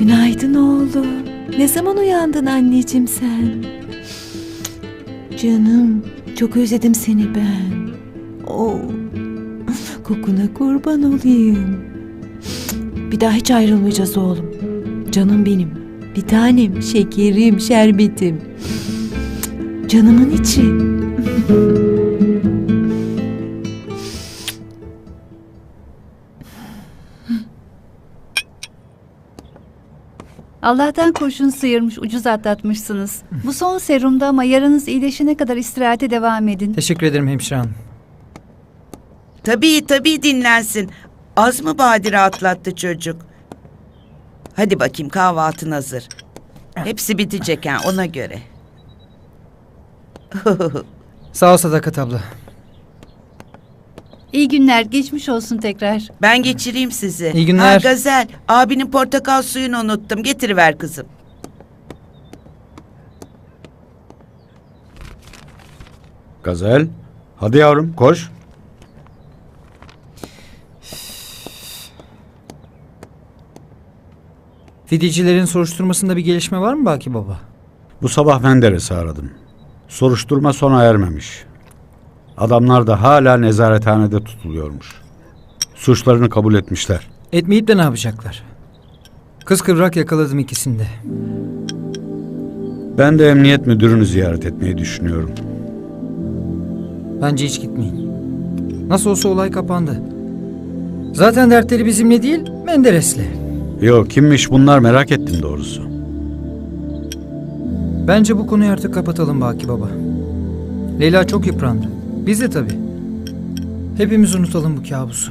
Günaydın oğlum. Ne zaman uyandın anneciğim sen? Canım, çok özledim seni ben. Oo, kokuna kurban olayım. Bir daha hiç ayrılmayacağız oğlum. Canım benim, bir tanem, şekerim, şerbetim. Canımın içi. Allah'tan kurşun sıyırmış, ucuz atlatmışsınız. Bu son serumda ama yaranız iyileşene kadar istirahate devam edin. Teşekkür ederim hemşire hanım. Tabii dinlensin. Az mı badire atlattı çocuk? Hadi bakayım kahvaltın hazır. Hepsi bitecek ha ona göre. Sağ ol Sadakat abla. İyi günler, geçmiş olsun tekrar. Ben geçireyim sizi. İyi günler. Ha, Gazel, abinin portakal suyunu unuttum. Getiriver kızım. Gazel, hadi yavrum koş. Fidyecilerin soruşturmasında bir gelişme var mı Baki Baba? Bu sabah Menderes'i aradım. Soruşturma sona ermemiş. Adamlar da hala nezarethanede tutuluyormuş. Suçlarını kabul etmişler. Etmeyip de ne yapacaklar? Kıskıvrak yakaladım ikisini de. Ben de emniyet müdürünü ziyaret etmeyi düşünüyorum. Bence hiç gitmeyin. Nasıl olsa olay kapandı. Zaten dertleri bizimle değil, Menderes'le. Yok, kimmiş bunlar merak ettim doğrusu. Bence bu konuyu artık kapatalım Baki Baba. Leyla çok yıprandı. Biz de tabii. Hepimiz unutalım bu kabusu.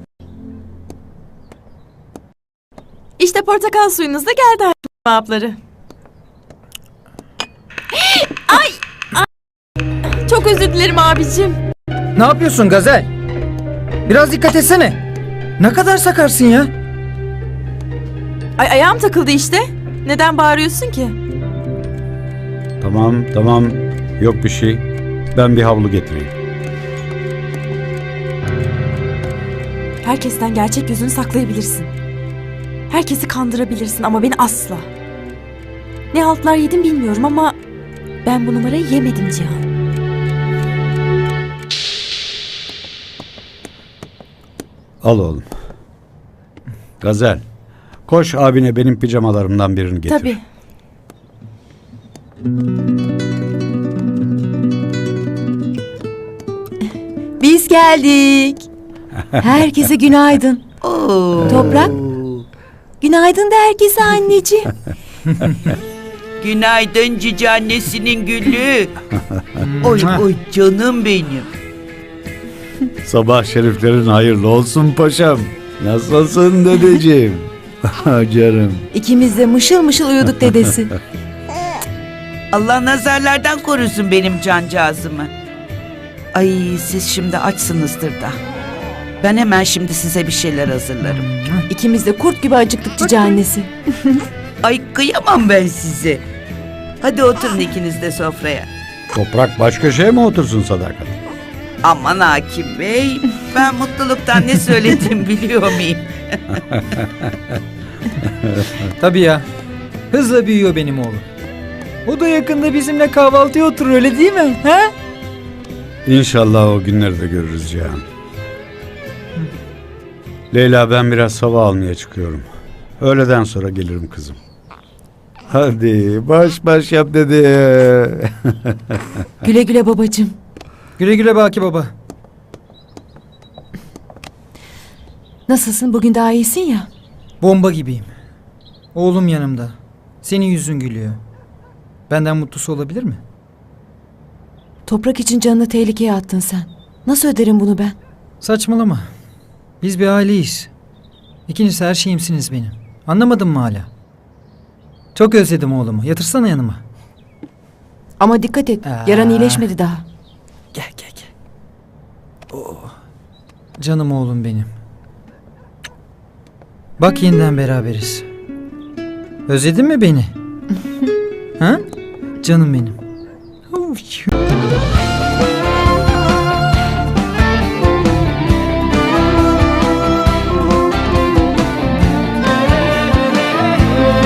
İşte portakal suyunuz da geldi abları. Ay! Çok özür dilerim abicim. Ne yapıyorsun Gazel? Biraz dikkat etsene. Ne kadar sakarsın ya? Ay ayağım takıldı işte. Neden bağırıyorsun ki? Tamam, yok bir şey. Ben bir havlu getireyim. Herkesten gerçek yüzünü saklayabilirsin. Herkesi kandırabilirsin ama beni asla. Ne haltlar yedim bilmiyorum ama ben bu numarayı yemedim Cihan. Al oğlum. Gazel, koş abine benim pijamalarımdan birini getir. Tabii. Biz geldik. Herkese günaydın. Oo. Toprak. Günaydın da herkese anneciğim. Günaydın cici annesinin gülü. Oy canım benim. Sabah şeriflerin hayırlı olsun paşam. Nasılsın dedeciğim? Canım. İkimiz de mışıl mışıl uyuduk dedesi. Allah nazarlardan korusun benim cancağızımı. Ay siz şimdi açsınızdır da. Ben hemen şimdi size bir şeyler hazırlarım. İkimiz de kurt gibi acıktık cici annesi. Ay kıyamam ben sizi. Hadi oturun ikiniz de sofraya. Toprak baş köşeye mi otursun Sadakat? Aman hakim bey, ben mutluluktan ne söylediğimi biliyor muyum? Tabii ya. Hızla büyüyor benim oğlum. O da yakında bizimle kahvaltıya oturur öyle değil mi? He? İnşallah o günleri de görürüz Cihan. Leyla ben biraz hava almaya çıkıyorum. Öğleden sonra gelirim kızım. Hadi baş yap dedi. Güle güle babacığım. Güle güle Baki Baba. Nasılsın? Bugün daha iyisin ya. Bomba gibiyim. Oğlum yanımda. Senin yüzün gülüyor. Benden mutlusu olabilir mi? Toprak için canını tehlikeye attın sen. Nasıl öderim bunu ben? Saçmalama. Biz bir aileyiz. İkiniz her şeyimsiniz benim. Anlamadın mı hala? Çok özledim oğlumu. Yatırsana yanıma. Ama dikkat et. Yaran iyileşmedi daha. Gel. Oh. Canım oğlum benim. Bak yeniden beraberiz. Özledin mi beni? Ha? Canım benim.